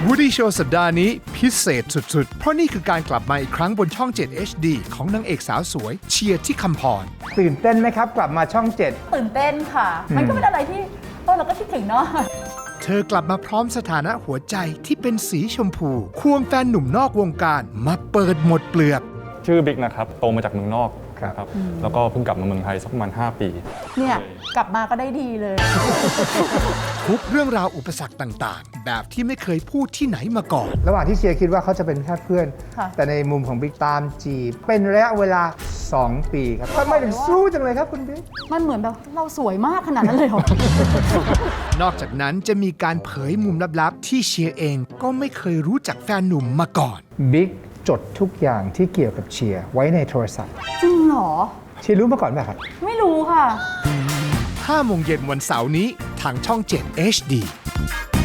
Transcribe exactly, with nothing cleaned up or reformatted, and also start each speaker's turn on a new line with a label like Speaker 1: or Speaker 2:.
Speaker 1: Woody Show สัปดาห์นี้พิเศษสุดๆ เพราะนี่คือการกลับมาอีกครั้งบนช่อง เจ็ด เอช ดี ของนางเอกสาวสวยเชียร์ที่คำพร
Speaker 2: ตื่นเต้นไหมครับกลับมาช่องเจ็ด
Speaker 3: ตื่นเต้นค่ะ มันก็เป็นอะไรที่เออเราก็คิดถึงเนาะ
Speaker 1: เธอกลับมาพร้อมสถานะหัวใจที่เป็นสีชมพู ควงแฟนหนุ่มนอกวงการมาเปิดหมดเปลือก
Speaker 4: ชื่อบิ๊กนะครับโตมาจากเมืองนอกครับแล้วก็เพิ่งกลับมาเมืองไทยสักประมาณห้าปี
Speaker 3: เนี่ยกลับมาก็ได้ดีเลย
Speaker 1: ทุกเรื่องราวอุปสรรคต่างๆ แบบที่ไม่เคยพูดที่ไหนมาก่อน
Speaker 2: ระหว่างที่เชียร์คิดว่าเขาจะเป็นแค่เพื่อน
Speaker 3: ค่ะ
Speaker 2: แต่ในมุมของบิ๊กตามจีบเป็นระยะเวลา สอง ปีครับทำไมถึงสู้จังเลยครับคุณบิ๊ก
Speaker 3: มันเหมือนแบบเราสวยมากขนาดนั้นเลยเหรอ
Speaker 1: นอกจากนั้นจะมีการเผยมุมลับๆ ที่เชียร์เองก็ไม่เคยรู้จักแฟนหนุ่มมาก่อน
Speaker 2: บิ๊กจดทุกอย่างที่เกี่ยวกับเชียร์ไว้ในโทรศัพท์
Speaker 3: จริงเหรอ
Speaker 2: เชียร์รู้มาก่อนไหมครับ
Speaker 3: ไม่รู้ค่ะ
Speaker 1: ห้าโมงเย็นวันเสาร์นี้ทางช่อง เจ็ด เอช ดี